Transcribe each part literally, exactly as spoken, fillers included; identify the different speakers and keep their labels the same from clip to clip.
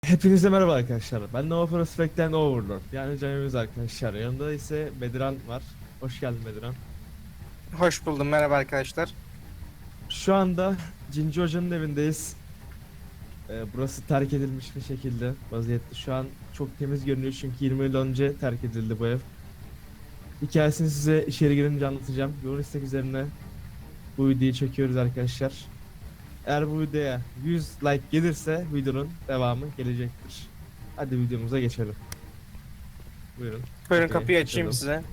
Speaker 1: Hepinize merhaba arkadaşlar. Ben Nova Prospect'ten Overlord. Yani Cemimiz arkadaşlar. Yanında ise Bediran var. Hoş geldin Bediran.
Speaker 2: Hoş buldum. Merhaba arkadaşlar.
Speaker 1: Şu anda Cinci Hoca'nın evindeyiz. Ee, burası terk edilmiş bir şekilde vaziyette. Şu an çok temiz görünüyor çünkü yirmi yıl önce terk edildi bu ev. Hikayesini size içeri girince anlatacağım. Yoğun istek üzerine bu videoyu çekiyoruz arkadaşlar. Eğer bu videoya yüz like gelirse videonun devamı gelecektir. Hadi videomuza geçelim. Buyurun.
Speaker 2: Buyurun
Speaker 1: Okey,
Speaker 2: kapıyı açayım
Speaker 1: açalım.
Speaker 2: size.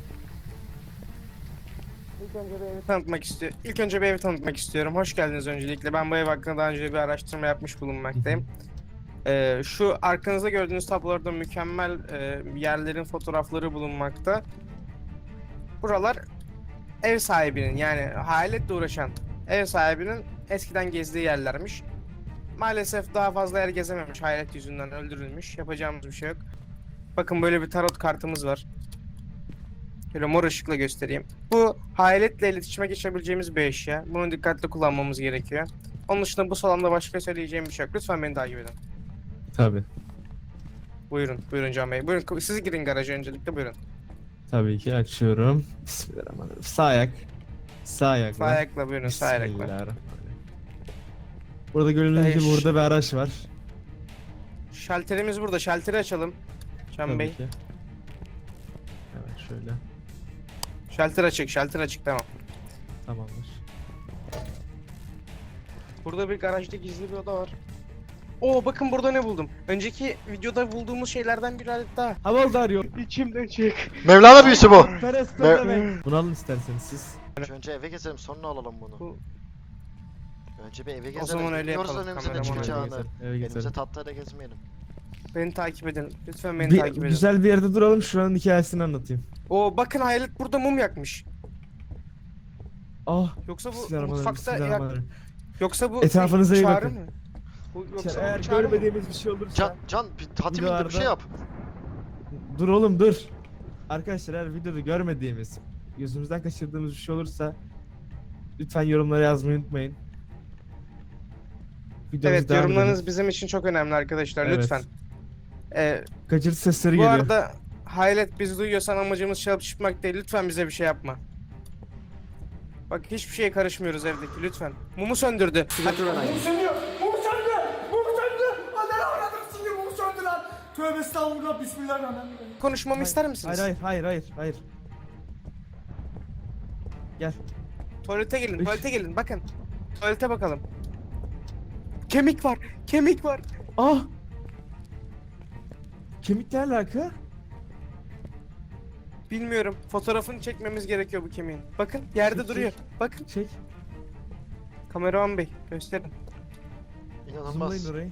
Speaker 2: İlk önce bir evi tanıtmak istiyorum. İlk önce bir evi tanıtmak istiyorum. Hoş geldiniz öncelikle. Ben bu ev hakkında daha önce bir araştırma yapmış bulunmaktayım. Ee, şu arkanızda gördüğünüz tablolarda mükemmel e, yerlerin fotoğrafları bulunmakta. Buralar ev sahibinin, yani hayaletle uğraşan ev sahibinin eskiden gezdiği yerlermiş. Maalesef daha fazla yer gezememiş, hayalet yüzünden öldürülmüş. Yapacağımız bir şey yok. Bakın böyle bir tarot kartımız var. Şöyle mor ışıkla göstereyim. Bu hayaletle iletişime geçebileceğimiz bir eşya. Bunu dikkatli kullanmamız gerekiyor. Onun dışında bu salonda başka söyleyeceğim bir şey yok. Lütfen beni takip edin.
Speaker 1: Tabii.
Speaker 2: Buyurun, buyurun Can Bey. Buyurun, siz girin garaja öncelikle, buyurun.
Speaker 1: Tabii ki açıyorum. Bismillahirrahmanirrahim. Sağ ayak. Sağ ayakla.
Speaker 2: Sağ ayakla buyurun, sağ ayakla.
Speaker 1: Bismillahirrahmanirrahim. Burada görüldüğü gibi
Speaker 2: Eş.
Speaker 1: burada bir araç var.
Speaker 2: Şalterimiz burada, şalteri açalım. Can
Speaker 1: Tabii
Speaker 2: Bey.
Speaker 1: ki. Evet şöyle.
Speaker 2: Şalter açık, şalter açık, tamam.
Speaker 1: Tamamdır.
Speaker 2: Burada bir garajda gizli bir oda var. Oo, bakın burada ne buldum. Önceki videoda bulduğumuz şeylerden bir adet daha.
Speaker 1: Havaldar yok.
Speaker 2: İçimden çık.
Speaker 3: Mevlana büyüsü bu.
Speaker 1: Perest
Speaker 3: Me-
Speaker 1: demek. Bunu alın isterseniz siz.
Speaker 3: Önce eve gezelim sonra alalım bunu.
Speaker 2: Bu-
Speaker 3: Önce bir eve gezelim.
Speaker 2: O zaman öyle
Speaker 3: Bilmiyoruz
Speaker 2: yapalım,
Speaker 3: önümüze ne
Speaker 2: kameraman öyle
Speaker 3: çıkacağını.
Speaker 1: gezelim, eve
Speaker 3: Elimize
Speaker 1: gezelim.
Speaker 3: tahtayla gezmeyelim.
Speaker 2: Beni takip edin. Lütfen beni
Speaker 1: Bir,
Speaker 2: takip edin.
Speaker 1: güzel bir yerde duralım şuranın hikayesini anlatayım.
Speaker 2: Oo, bakın hayalet burada mum yakmış.
Speaker 1: Ah.
Speaker 2: Yoksa bu
Speaker 1: Bismillahirrahmanirrahim.
Speaker 2: mutfakta yak...
Speaker 1: Bismillahirrahmanirrahim.
Speaker 2: Yoksa bu
Speaker 1: Etrafınıza iyi
Speaker 2: çağrı
Speaker 1: bakın.
Speaker 2: mı? Bu, yoksa
Speaker 1: Eğer
Speaker 2: bu çağrı mı?
Speaker 1: görmediğimiz bir şey olursa.
Speaker 3: Can, Can bir hatim indi bir şey
Speaker 1: Videolarda-
Speaker 3: yap.
Speaker 1: Dur oğlum dur. Arkadaşlar eğer videoda görmediğimiz, gözümüzden kaçırdığımız bir şey olursa lütfen yorumlara yazmayı unutmayın. Videomuza
Speaker 2: Evet,
Speaker 1: devam
Speaker 2: yorumlarınız
Speaker 1: edelim.
Speaker 2: bizim için çok önemli arkadaşlar,
Speaker 1: Evet.
Speaker 2: lütfen. Ee,
Speaker 1: Kaçırtı sesleri
Speaker 2: bu
Speaker 1: geliyor.
Speaker 2: arada hayalet bizi duyuyorsan amacımız çalıp çıkmak değil, lütfen bize bir şey yapma. Bak hiçbir şeye karışmıyoruz evdeki, lütfen. Mumu söndürdü. Hadi.
Speaker 4: Mum sönüyor. Mum söndü. Mum söndü. Ananı avradım şimdi mum söndü lan. Tövbe estağfurullah bismillahirrahmanirrahim.
Speaker 2: Konuşmamı ister misiniz?
Speaker 1: Hayır hayır hayır hayır hayır. Gel.
Speaker 2: Tuvalete gelin,
Speaker 1: Üç.
Speaker 2: tuvalete gelin, bakın. Tuvalete bakalım. Kemik var, kemik var.
Speaker 1: Ah! Kemikle alaka?
Speaker 2: Bilmiyorum. Fotoğrafını çekmemiz gerekiyor bu kemiğin. Bakın yerde
Speaker 1: Çek,
Speaker 2: duruyor.
Speaker 1: çek.
Speaker 2: Bakın.
Speaker 1: Çek.
Speaker 2: Kameraman Bey gösterin.
Speaker 3: İnanılmaz.
Speaker 1: Zoomlayın orayı.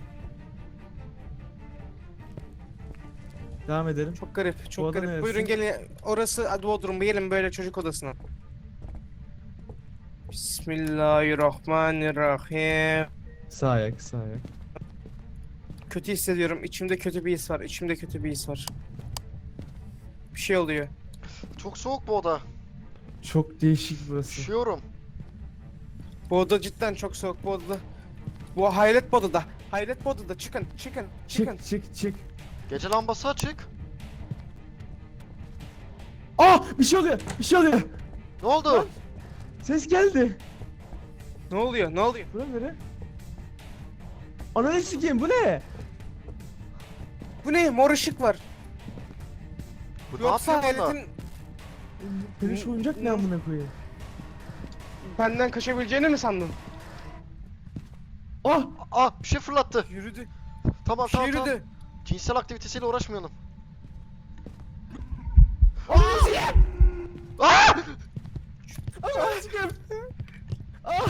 Speaker 1: Devam edelim.
Speaker 2: Çok garip,
Speaker 1: Bu
Speaker 2: çok
Speaker 1: oda
Speaker 2: garip.
Speaker 1: neresi?
Speaker 2: Buyurun gelin. Orası Bodrum. Gelin böyle çocuk odasına. Bismillahirrahmanirrahim.
Speaker 1: Sağ ayak, sağ ayak.
Speaker 2: Kötü hissediyorum. İçimde kötü bir his var. İçimde kötü bir his var. Bir şey oluyor.
Speaker 3: Çok soğuk bu oda.
Speaker 1: Çok değişik burası.
Speaker 3: Üşüyorum.
Speaker 2: Bu oda cidden çok soğuk. Bu odada. Bu hayalet bu odada. Hayalet bu odada. Çıkın, çıkın, çıkın.
Speaker 1: Çık çık çık.
Speaker 3: Gece lambası açık.
Speaker 1: Ah! Bir şey oluyor. Bir şey oluyor.
Speaker 3: Ne oldu?
Speaker 1: Lan. Ses geldi.
Speaker 2: Ne oluyor? Ne oluyor?
Speaker 1: Bura nere? Ananı sikeyim bu ne?
Speaker 2: Bu ne? Mor ışık var.
Speaker 3: Bu ne
Speaker 2: Yoksa
Speaker 3: yapıyor bunda?
Speaker 2: hayaletin
Speaker 1: Peluş oyuncak ne amına koyayım?
Speaker 2: benden kaçabileceğini mi sandın?
Speaker 1: Ah!
Speaker 3: Ah bir şey fırlattı.
Speaker 2: Yürüdü.
Speaker 3: Tamam
Speaker 2: Bir şey
Speaker 3: tamam tamam.
Speaker 2: yürüdü.
Speaker 3: Cinsel aktivitesiyle uğraşmayalım.
Speaker 1: Ananı sikeyim!
Speaker 3: Ah!
Speaker 1: Ananı sikeyim! Ah!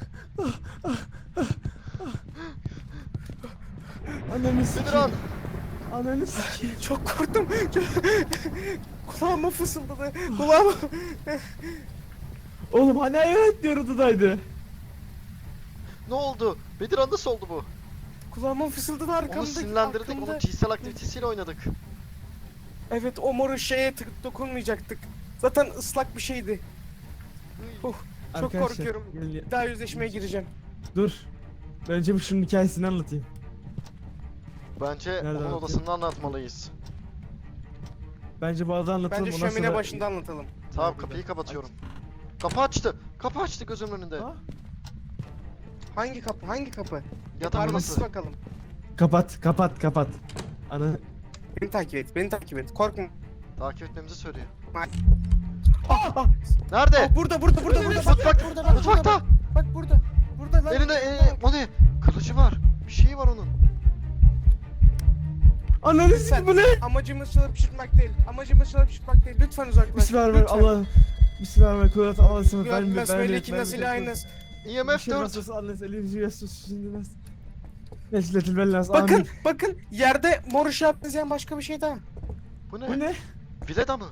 Speaker 1: Ananı sikeyim.
Speaker 3: Bedirhan.
Speaker 1: Ananı sikeyim.
Speaker 2: Çok korktum. Kulağıma fısıldadı. Kulağıma.
Speaker 1: Oğlum hani hayalet diyor odadaydı.
Speaker 3: Ne oldu? Bedirhan nasıl oldu bu?
Speaker 2: Kulağıma fısıldadı arkamda.
Speaker 3: Onu sinirlendirdik,
Speaker 2: arkamda.
Speaker 3: onun cinsel aktivitesiyle oynadık.
Speaker 2: Evet, o mor şeye tık dokunmayacaktık. Zaten ıslak bir şeydi. Uh, çok
Speaker 1: Arkadaşlar,
Speaker 2: korkuyorum.
Speaker 1: gelin ya-
Speaker 2: Bir daha yüzleşmeye gireceğim.
Speaker 1: Dur. Önce bir şunun hikayesini anlatayım.
Speaker 3: Bence
Speaker 1: Nereden
Speaker 3: onun
Speaker 1: atayım?
Speaker 3: odasını anlatmalıyız.
Speaker 1: Bence bu arada anlatalım.
Speaker 2: Bence
Speaker 1: ondan
Speaker 2: şömine
Speaker 1: sonra-
Speaker 2: başında anlatalım.
Speaker 3: Tamam
Speaker 1: Bence de.
Speaker 3: kapıyı kapatıyorum. Kapı açtı. Kapı açtı gözümün önünde.
Speaker 1: Ha?
Speaker 2: Hangi kapı? Hangi kapı?
Speaker 3: Yatak
Speaker 2: Parmasız
Speaker 3: odası.
Speaker 2: bakalım.
Speaker 1: Kapat kapat kapat. Ana
Speaker 2: Beni takip et. Beni takip et. Korkma.
Speaker 3: Takip etmemizi söylüyor.
Speaker 2: Ah, ah,
Speaker 3: Nerede?
Speaker 2: ah, burada burada burada burada.
Speaker 3: Mutfak.
Speaker 2: Burada bak.
Speaker 3: Mutfakta.
Speaker 2: Burada bak. Bak burada. Burada lan.
Speaker 3: Elinde e, o ne? Kılıcı var. Bir şey var onun.
Speaker 1: Ananı
Speaker 2: Sen-
Speaker 1: sikeyim bu ne?
Speaker 2: Amacımız çalıp çırpmak değil. Amacımız çalıp çırpmak değil. Lütfen uzaklaş.
Speaker 1: Bismillahirrahmanirrahim. Allah. Bismillahirrahmanirrahim. Kudret Allah'a ısmarladık. Ben
Speaker 2: Ben
Speaker 1: ben
Speaker 2: besmelekin nasıl ilahiniz.
Speaker 3: I M F
Speaker 1: şey
Speaker 3: dört.
Speaker 2: Bakın bakın yerde mor ışığa benzeyen başka bir şey daha.
Speaker 3: Bu ne?
Speaker 1: Bu ne?
Speaker 3: Vileda mı?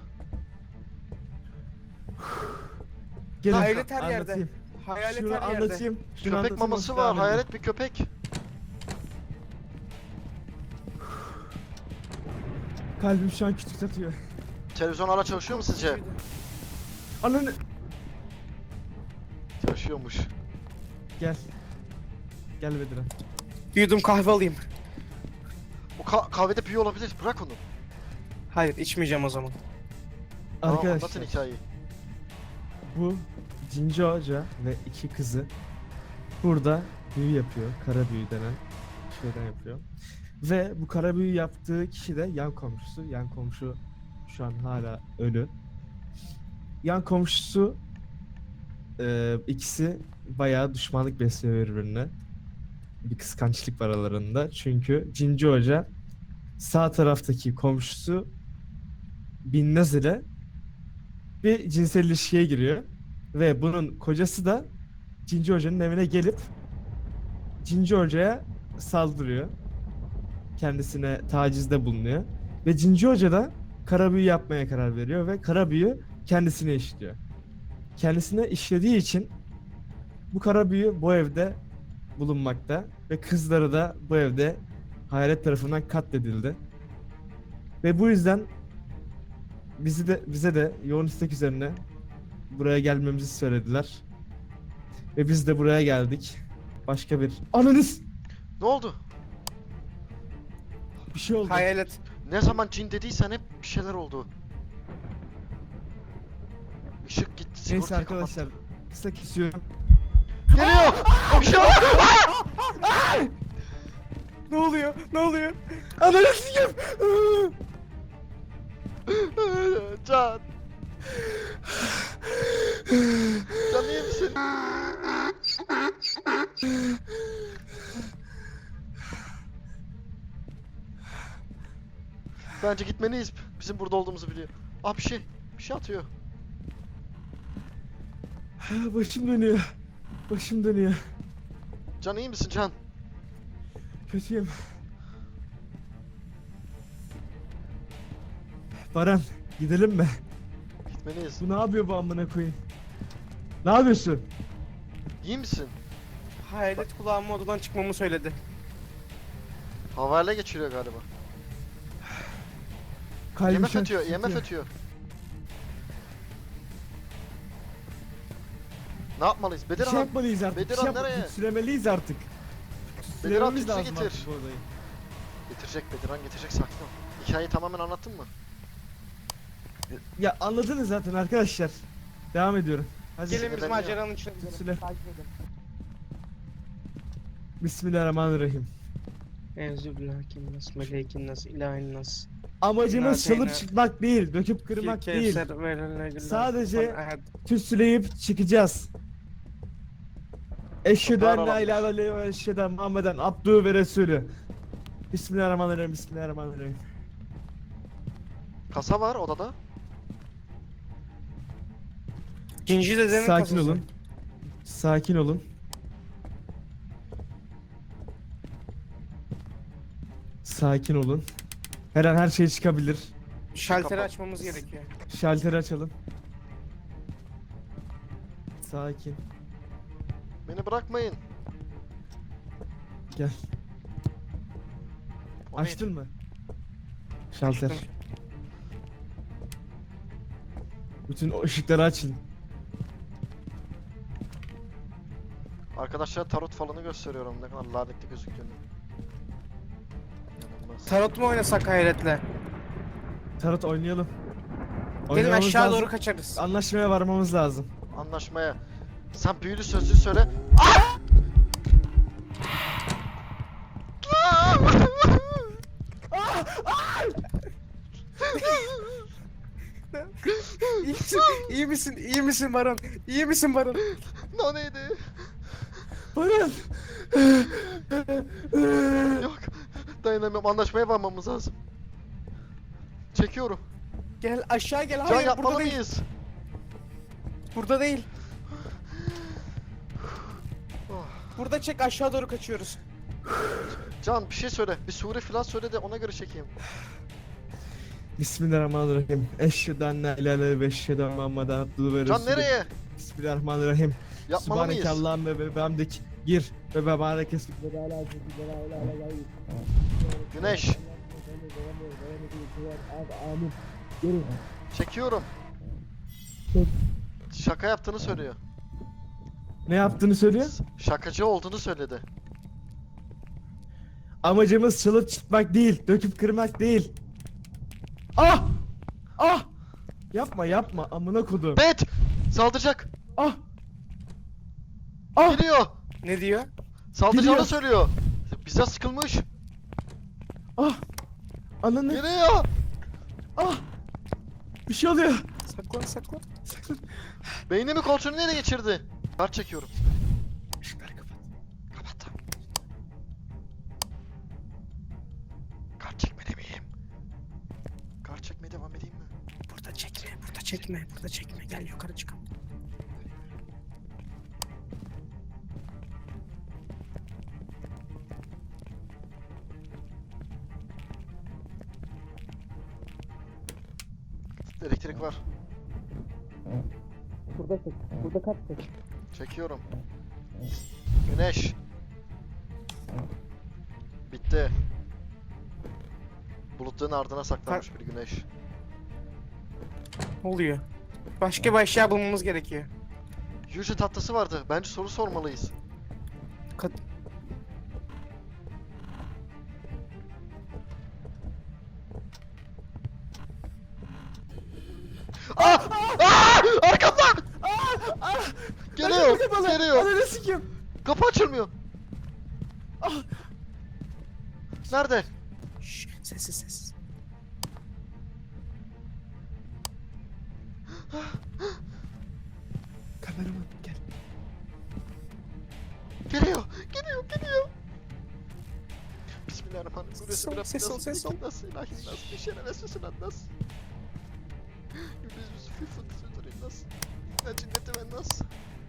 Speaker 1: Gelin.
Speaker 2: Hayalet her yerde.
Speaker 1: Anlatayım.
Speaker 2: Hayalet
Speaker 1: Şunu
Speaker 2: her yerde.
Speaker 1: anlatayım. Şunu
Speaker 3: Köpek
Speaker 1: anlatayım,
Speaker 3: maması
Speaker 1: devam
Speaker 3: var.
Speaker 1: edin.
Speaker 3: Hayalet bir köpek.
Speaker 1: Kalbim şu an küçük atıyor.
Speaker 3: Televizyon hala çalışıyor mu sizce?
Speaker 1: Ananı.
Speaker 3: Çalışıyormuş.
Speaker 1: Gel. Gel Bedirhan.
Speaker 2: Bir yudum kahve alayım.
Speaker 3: O ka- kahvede büyü olabilir. Bırak onu.
Speaker 2: Hayır içmeyeceğim o zaman.
Speaker 3: Tamam, anlatın
Speaker 1: Arkadaşlar
Speaker 3: hikayeyi.
Speaker 1: bu Cinci Hoca ve iki kızı burada büyü yapıyor. Kara büyü denen şeyden yapıyor. Ve bu kara büyü yaptığı kişi de yan komşusu. Yan komşu şu an hala ölü. Yan komşusu e, ikisi bayağı düşmanlık besliyor birbirine. Bir kıskançlık var aralarında. Çünkü Cinci Hoca sağ taraftaki komşusu Binnaz ile bir cinsel ilişkiye giriyor. Ve bunun kocası da Cinci Hoca'nın evine gelip Cinci Hoca'ya saldırıyor. Kendisine tacizde bulunuyor. Ve Cinci Hoca da kara büyü yapmaya karar veriyor ve kara büyü kendisine işliyor. Kendisine işlediği için bu kara büyü bu evde bulunmakta ve kızları da bu evde hayalet tarafından katledildi. Ve bu yüzden bizi de bize de yoğun istek üzerine buraya gelmemizi söylediler. Ve biz de buraya geldik. Başka bir ananız
Speaker 3: Ne oldu?
Speaker 1: bir şey oldu.
Speaker 2: Hayalet.
Speaker 3: Ne zaman cin dediysen hep bir şeyler oldu. Işık gitti.
Speaker 1: Neyse
Speaker 3: sigortayı
Speaker 1: arkadaşlar kısa kesiyorum.
Speaker 3: kapat. Geliyor. Bir şey oldu.
Speaker 2: Ne oluyor? Ne oluyor?
Speaker 1: Ananı sikeyim.
Speaker 3: Can. Can iyi misin? Bence gitmeliyiz. Bizim burada olduğumuzu biliyor. Aa bir şey. Bir şey atıyor.
Speaker 1: Başım dönüyor. Başım dönüyor.
Speaker 3: Can iyi misin Can?
Speaker 1: Kötüyüm. Baran gidelim mi?
Speaker 3: Gitmeliyiz.
Speaker 1: Bu ne yapıyor bu amına koyayım? Ne yapıyorsun?
Speaker 3: İyi misin?
Speaker 2: Hayalet kulağıma odadan çıkmamı söyledi.
Speaker 3: Havale geçiriyor galiba.
Speaker 1: Kalbim
Speaker 3: Yemek
Speaker 1: şu an
Speaker 3: ötüyor,
Speaker 1: titriyor.
Speaker 3: yemek ötüyor. Ne yapmalıyız?
Speaker 1: Bir şey
Speaker 3: Bedirhan,
Speaker 1: yapmalıyız artık.
Speaker 3: Bedirhan
Speaker 1: bir şey yap-
Speaker 3: nereye?
Speaker 1: Sülemeliyiz artık.
Speaker 3: Bedirhan
Speaker 1: Sülememiz
Speaker 3: tütsü
Speaker 1: lazım
Speaker 3: getir.
Speaker 1: artık bu odayı.
Speaker 3: Getirecek Bedirhan getirecek sakin ol. Hikayeyi tamamen anlattın mı?
Speaker 1: Ya anladınız zaten arkadaşlar. Devam ediyorum. Hadi.
Speaker 2: Gelin biz
Speaker 3: sinirleniyor.
Speaker 2: maceranın içine gidelim.
Speaker 1: Süle.
Speaker 2: Takip edin.
Speaker 1: Bismillahirrahmanirrahim.
Speaker 2: Enzübillahirrahmanirrahim. Meleykinnas, ilahinnas.
Speaker 1: Amacımız
Speaker 2: Nazeyne.
Speaker 1: çalıp çıkmak değil, döküp kırmak değil. Sadece- Tüsleyip çıkacağız. Eşhedü en la ilahe illallah ve eşhedü enne Muhammeden abdühü ve resulü. Bismillahirrahmanirrahim. Bismillahirrahmanirrahim.
Speaker 3: Kasa var odada.
Speaker 2: Cinci dedenin
Speaker 1: Sakin
Speaker 2: kasası.
Speaker 1: olun. Sakin olun. Sakin olun. Her an her şey çıkabilir.
Speaker 2: Şalteri
Speaker 3: Kapat.
Speaker 2: açmamız gerekiyor.
Speaker 1: Şalteri açalım. Sakin.
Speaker 3: Beni bırakmayın.
Speaker 1: Gel.
Speaker 3: O neydi?
Speaker 1: Açtın mı? Şalter.
Speaker 2: Açtım.
Speaker 1: Bütün o ışıkları açın.
Speaker 3: Arkadaşlar tarot falını gösteriyorum ne kadar lanetli gözüktüğünü.
Speaker 2: Tarot mu oynasak hayretle?
Speaker 1: Tarot oynayalım.
Speaker 2: Gelin
Speaker 1: Oynamamız
Speaker 2: aşağı
Speaker 1: lazım.
Speaker 2: doğru kaçarız.
Speaker 1: Anlaşmaya varmamız lazım.
Speaker 3: Anlaşmaya. Sen büyülü sözlüğü söyle.
Speaker 2: İyi misin? İyi misin? İyi misin Baran? İyi misin Baran?
Speaker 3: O neydi?
Speaker 1: Baran!
Speaker 3: Yok. Dayanamıyorum. Anlaşmaya varmamız lazım. Çekiyorum.
Speaker 2: Gel aşağı gel.
Speaker 3: Can
Speaker 2: Hayır burada
Speaker 3: yapmalı
Speaker 2: değil.
Speaker 3: mıyız?
Speaker 2: Burada değil.
Speaker 3: Oh.
Speaker 2: Burada çek, aşağı doğru kaçıyoruz.
Speaker 3: Can bir şey söyle. Bir sure falan söyle de ona göre çekeyim.
Speaker 1: Bismillahirrahmanirrahim. Eşhedü en la ilahe illallah ve eşhedü enne Muhammeden abduhu ve
Speaker 3: Can
Speaker 1: resulü.
Speaker 3: nereye?
Speaker 1: Bismillahirrahmanirrahim.
Speaker 3: Yapmalı mıyız?
Speaker 1: Subhaneke Allah'ım ve ve bihamdik. Gir ve ve barek esmik ve ve ala
Speaker 3: Güneş.
Speaker 1: Amin. Gelin.
Speaker 3: Çekiyorum.
Speaker 1: Çek.
Speaker 3: Şaka yaptığını söylüyor.
Speaker 1: Ne yaptığını söylüyor?
Speaker 3: Şakacı olduğunu söyledi.
Speaker 1: Amacımız çalıp çıkmak değil, döküp kırmak değil. Ah! Ah! Yapma yapma amına kodum.
Speaker 3: Bet! Saldıracak.
Speaker 1: Ah! Ah!
Speaker 3: Geliyor.
Speaker 2: Ne diyor?
Speaker 3: Saldıracağını
Speaker 1: Geliyor.
Speaker 3: söylüyor. Bize sıkılmış.
Speaker 1: Ah! Ananı.
Speaker 3: Geliyor.
Speaker 1: Ah! Bir şey oluyor.
Speaker 2: Saklan saklan.
Speaker 3: Beynimi kontrolünü ele geçirdi. Kart çekiyorum.
Speaker 1: Işıkları kapat.
Speaker 3: Kapattım. Kart çekmede miyim? Kart çekmeye devam edeyim mi?
Speaker 2: Burada çekme, burada çekme, burada çekme. Gel yukarı çıkalım.
Speaker 3: Elektrik var.
Speaker 2: Burada çek, burada kaç çek.
Speaker 3: Çekiyorum. Güneş. Bitti. Bulutların ardına saklanmış bir güneş.
Speaker 2: Ne oluyor? Başka bir eşya bulmamız gerekiyor.
Speaker 3: Yüce tatlısı vardı. Bence soru sormalıyız.
Speaker 2: Kat
Speaker 3: Ah! Ah! Arkamda!
Speaker 1: Ah!
Speaker 3: Geliyor,
Speaker 1: Kapalı.
Speaker 3: geliyor.
Speaker 1: Ananı sikeyim.
Speaker 3: Kapı açılmıyor.
Speaker 1: Ah!
Speaker 3: Nerede?
Speaker 2: Şşş, sessiz sessiz.
Speaker 1: Kameraman gel.
Speaker 3: Geliyor, geliyor, geliyor. Bismillahirrahmanirrahim.
Speaker 2: Ses ol, ses ol, ses ol.
Speaker 3: Nasıl ilahi nas, bir şere vesvesin nas. Yüz yüz fıfı sütürün nas. Ya cinneti ben nas.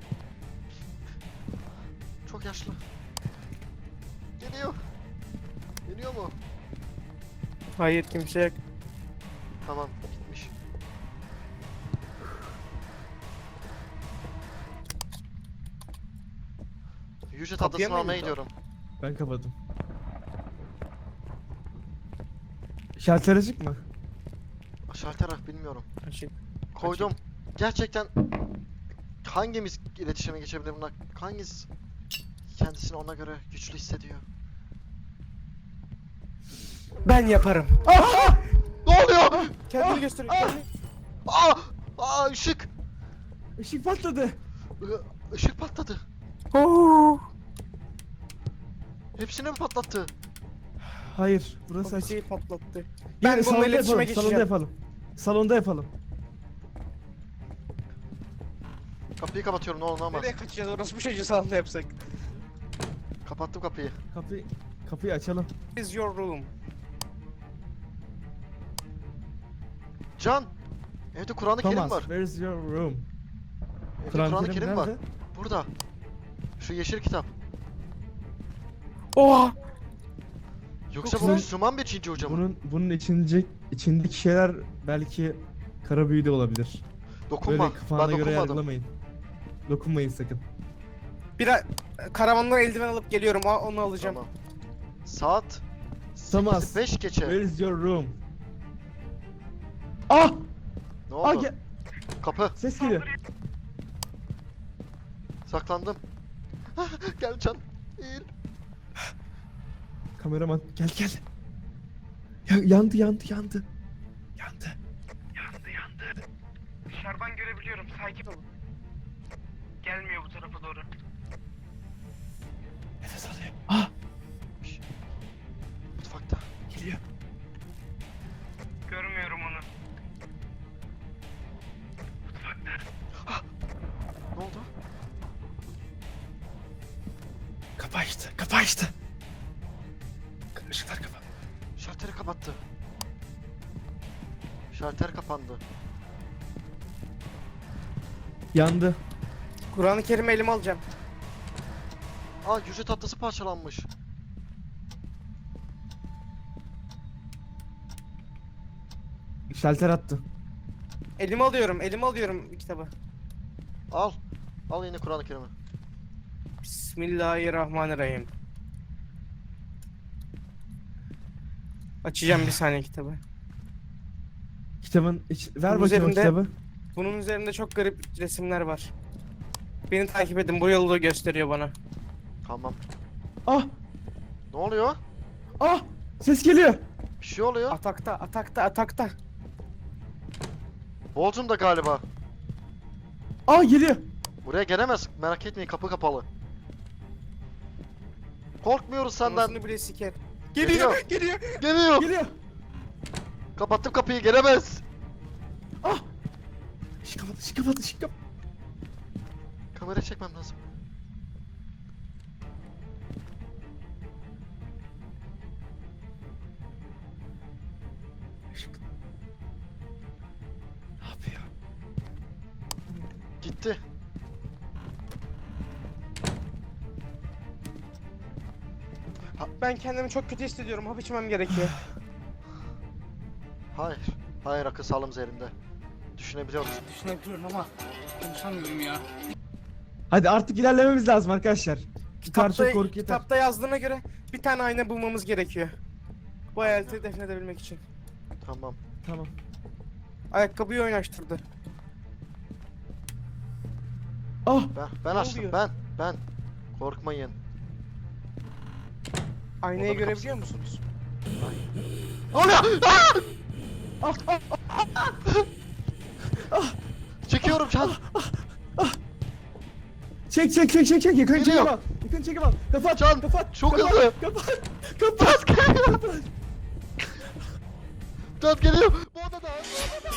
Speaker 3: Çok yaşlı. Geliyor. Geliyor mu?
Speaker 2: Hayır, kimse yok.
Speaker 3: Tamam, gitmiş. Yüce
Speaker 2: Kapıya
Speaker 3: tatlısını
Speaker 2: mı
Speaker 3: almaya
Speaker 2: indi?
Speaker 3: gidiyorum.
Speaker 1: Ben kapadım. Şalter açık mı?
Speaker 3: Şalter ah bilmiyorum.
Speaker 2: Açık.
Speaker 3: Koydum. Gerçekten hangimiz iletişime geçebilir buna? Hangimiz kendisini ona göre güçlü hissediyor?
Speaker 2: Ben yaparım.
Speaker 3: Ne oluyor?
Speaker 2: Kendini gösteriyor. kendini-
Speaker 3: Aa! Aa ışık!
Speaker 1: Işık patladı.
Speaker 3: I- Işık patladı.
Speaker 2: Oo.
Speaker 3: Hepsini mi patlattı?
Speaker 1: Hayır, burası açık.
Speaker 2: Kapıyı patlattı.
Speaker 1: Gel,
Speaker 2: Ben bununla
Speaker 1: salonda
Speaker 2: iletişime
Speaker 1: yapalım, salonda
Speaker 2: geçeceğim.
Speaker 1: yapalım. Salonda yapalım.
Speaker 3: Kapıyı kapatıyorum ne olur ne olmaz.
Speaker 2: Nereye kaçacağız? Orası bu çocuğu salonda yapsak.
Speaker 3: Kapattım kapıyı.
Speaker 1: Kapıyı kapıyı açalım.
Speaker 2: Is your room.
Speaker 3: Can! Evde Kur'an-ı Kerim
Speaker 1: Thomas,
Speaker 3: var.
Speaker 1: where is your room?
Speaker 3: Evde
Speaker 1: Kur'an-ı
Speaker 3: Kur'an-ı
Speaker 1: Kerim
Speaker 3: Kerim var.
Speaker 1: nerede?
Speaker 3: Burada. Şu yeşil kitap.
Speaker 2: Oha!
Speaker 3: Yoksa
Speaker 1: Çok
Speaker 3: bu
Speaker 1: güzel.
Speaker 3: Müslüman bir Çinci hoca mı?
Speaker 1: Bunun bunun içince içindeki şeyler belki kara büyü de olabilir.
Speaker 3: Dokunma.
Speaker 1: Böyle kafana
Speaker 3: Ben
Speaker 1: göre
Speaker 3: dokunmadım.
Speaker 1: yargılamayın. Dokunmayın sakın.
Speaker 2: Bir karavandan eldiven alıp geliyorum. o- Onu alacağım.
Speaker 3: Tamam. Saat
Speaker 1: Thomas,
Speaker 3: beş geçe.
Speaker 1: where is your room? Ah!
Speaker 3: Ne
Speaker 1: Ah
Speaker 3: oldu?
Speaker 1: gel.
Speaker 3: Kapı.
Speaker 1: Ses geliyor.
Speaker 3: Saklandım. Gel Can. Eğil.
Speaker 1: Kameraman gel gel. Ya, yandı yandı yandı. Yandı.
Speaker 2: Yandı yandı. Dışarıdan görebiliyorum. Sakin olun. Gelmiyor bu tarafa doğru.
Speaker 1: Nefes alıyor. Ah
Speaker 3: Mutfakta.
Speaker 1: geliyor.
Speaker 2: Görmüyorum onu.
Speaker 3: Ne oldu?
Speaker 1: Kapı açtı. Kapı açtı. Işıklar kapalı.
Speaker 3: Şalteri kapattı. Şalter kapandı.
Speaker 1: Yandı.
Speaker 2: Kur'an-ı Kerim'i elime alacağım.
Speaker 3: Aa, yüzü tatlısı parçalanmış.
Speaker 1: Şalter attı.
Speaker 2: Elime alıyorum. Elime alıyorum kitabı.
Speaker 3: Al. Al yine Kur'an-ı Kerim'i.
Speaker 2: Bismillahirrahmanirrahim. Açacağım bir saniye kitabı.
Speaker 1: Kitabın iç... Ver
Speaker 2: Bunun
Speaker 1: bakayım o
Speaker 2: üzerinde-
Speaker 1: kitabı.
Speaker 2: Bunun üzerinde çok garip resimler var. Beni takip edin. Bu yolu gösteriyor bana.
Speaker 3: Tamam.
Speaker 1: Ah
Speaker 3: Ne oluyor?
Speaker 1: ah ses geliyor.
Speaker 3: Bir şey oluyor.
Speaker 2: Atakta, atakta, atakta.
Speaker 3: Bolcum da galiba.
Speaker 1: Ah geliyor.
Speaker 3: Buraya gelemez. Merak etmeyin, kapı kapalı. Korkmuyoruz senden.
Speaker 2: Anasını bile siker.
Speaker 3: Geliyor.
Speaker 2: Geliyor, geliyor.
Speaker 3: Geliyor.
Speaker 1: Geliyor.
Speaker 3: Kapattım kapıyı, gelemez.
Speaker 1: Ah. Işık kapadı, ışık kapadı, ışık kapadı.
Speaker 3: Kamerayı çekmem lazım.
Speaker 1: Işık. Ne yapıyor?
Speaker 3: Gitti.
Speaker 2: Ben kendimi çok kötü hissediyorum. Hap içmem gerekiyor.
Speaker 3: Hayır. Hayır, akıl sağlığımız yerinde. Düşünebiliyoruz.
Speaker 2: Düşünebiliyorum ama konuşamıyorum ya.
Speaker 1: Hadi artık ilerlememiz lazım arkadaşlar. Bu kadar
Speaker 2: Kitapta,
Speaker 1: çok korku yeter.
Speaker 2: kitapta yazdığına göre bir tane ayna bulmamız gerekiyor. Bu hayaleti defnedebilmek için.
Speaker 3: Tamam.
Speaker 1: Tamam.
Speaker 2: Ayakkabıyı oynaştırdı.
Speaker 1: Ah
Speaker 3: Ben ben
Speaker 2: Ne
Speaker 3: açtım.
Speaker 2: oluyor?
Speaker 3: Ben ben. Korkmayın.
Speaker 2: Aynayı
Speaker 3: Odanın
Speaker 2: görebiliyor musunuz?
Speaker 3: Oluyor.
Speaker 1: ah ah.
Speaker 3: Çekiyorum can.
Speaker 1: Çek çek çek çek çek yakın
Speaker 3: Geliyor.
Speaker 1: çekim al. Yakın çekim al. Kapat
Speaker 3: Can,
Speaker 1: kapat.
Speaker 3: çok
Speaker 1: kapat,
Speaker 3: hızlı.
Speaker 1: Kapat. Kapat. Kapat.
Speaker 3: Can geliyor. Bu odada. Bu odada.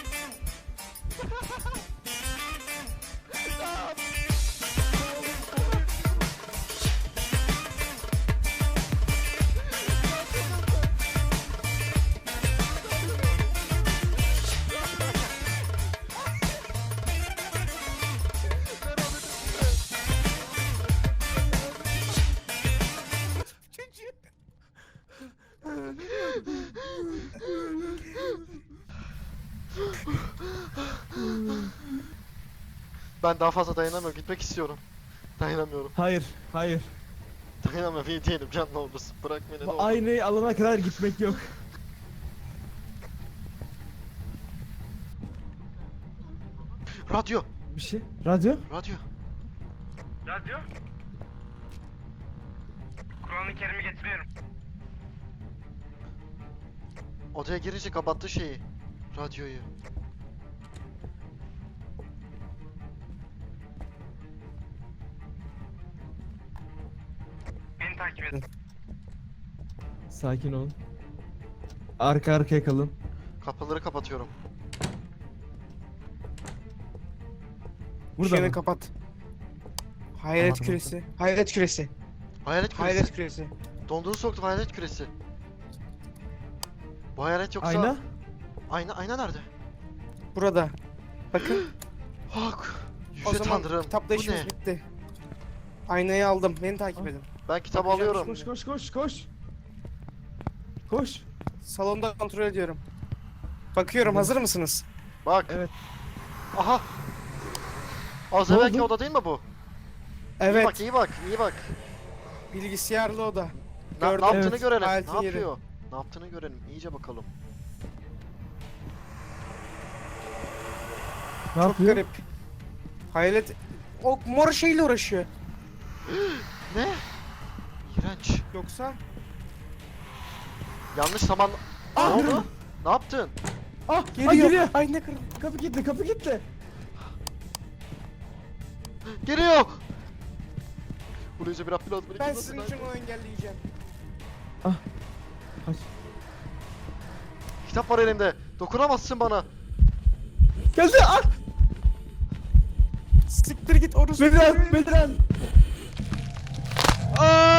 Speaker 3: Ben daha fazla dayanamıyorum. Gitmek istiyorum. Dayanamıyorum.
Speaker 1: Hayır, hayır.
Speaker 3: Dayanamıyorum. İyi değilim. Can ne olursun. Bırak beni ne
Speaker 1: Bu
Speaker 3: olur.
Speaker 1: aynayı alana kadar gitmek yok.
Speaker 3: Radyo.
Speaker 1: Bir şey. Radyo?
Speaker 3: Radyo.
Speaker 2: Radyo? Kur'an-ı Kerim'i getiriyorum.
Speaker 3: Odaya girince kapattı şeyi. Radyoyu.
Speaker 2: Beni takip edin.
Speaker 1: Sakin olun. Arka arkaya kalın.
Speaker 3: Kapıları kapatıyorum.
Speaker 1: Burada
Speaker 2: Işığını
Speaker 1: mı?
Speaker 2: kapat. Hayalet
Speaker 1: Tamam,
Speaker 2: küresi. Hayalet küresi.
Speaker 3: Hayalet küresi.
Speaker 2: Hayalet küresi.
Speaker 3: Dondurucu soktum, hayalet küresi. Bu hayalet yoksa...
Speaker 1: Ayna?
Speaker 3: Ayna, ayna nerede?
Speaker 2: Burada. Bakın.
Speaker 3: Hak.
Speaker 2: O
Speaker 3: Yüce
Speaker 2: zaman
Speaker 3: Tanrım.
Speaker 2: kitapta
Speaker 3: Bu
Speaker 2: işimiz
Speaker 3: ne?
Speaker 2: bitti. Aynayı aldım. Beni takip
Speaker 1: Ah.
Speaker 2: edin.
Speaker 3: Ben kitabı
Speaker 2: Bakacağım
Speaker 3: alıyorum.
Speaker 1: Koş koş koş koş. Koş.
Speaker 2: Salonda kontrol ediyorum. Bakıyorum.
Speaker 1: Evet.
Speaker 2: Hazır mısınız?
Speaker 3: Bak.
Speaker 1: Evet.
Speaker 3: Aha. Az
Speaker 1: Ne
Speaker 3: evvelki
Speaker 1: oldu?
Speaker 3: oda değil mi bu?
Speaker 2: Evet.
Speaker 3: İyi bak, iyi bak, iyi bak.
Speaker 2: Bilgisayarlı oda.
Speaker 3: Ne,
Speaker 2: Gördüm.
Speaker 3: ne yaptığını
Speaker 1: Evet.
Speaker 3: görelim.
Speaker 2: Hayaletin
Speaker 3: Ne
Speaker 2: yeri.
Speaker 3: yapıyor? Ne yaptığını görelim. İyice bakalım.
Speaker 1: Ne
Speaker 2: Çok
Speaker 1: yapıyor?
Speaker 2: garip. Hayalet o mor şeyle uğraşıyor.
Speaker 3: Ne? İğrenç.
Speaker 2: Yoksa
Speaker 3: Yanlış zaman Ne oldu? Ne yaptın?
Speaker 1: Ah
Speaker 2: Geliyor.
Speaker 1: geliyor. geliyor.
Speaker 2: Ay ne kırdım.
Speaker 1: Kapı gitti kapı gitti.
Speaker 3: Geliyor. Buraya bir Abdülaz beni
Speaker 2: Ben
Speaker 3: kim
Speaker 2: sizin
Speaker 3: nasıl-
Speaker 2: için onu engelleyeceğim.
Speaker 1: Kaç.
Speaker 3: Kitap var elimde. Dokunamazsın bana.
Speaker 1: Geldi ah.
Speaker 2: Siktir git orası.
Speaker 1: Bedran Bedran.
Speaker 3: Aa!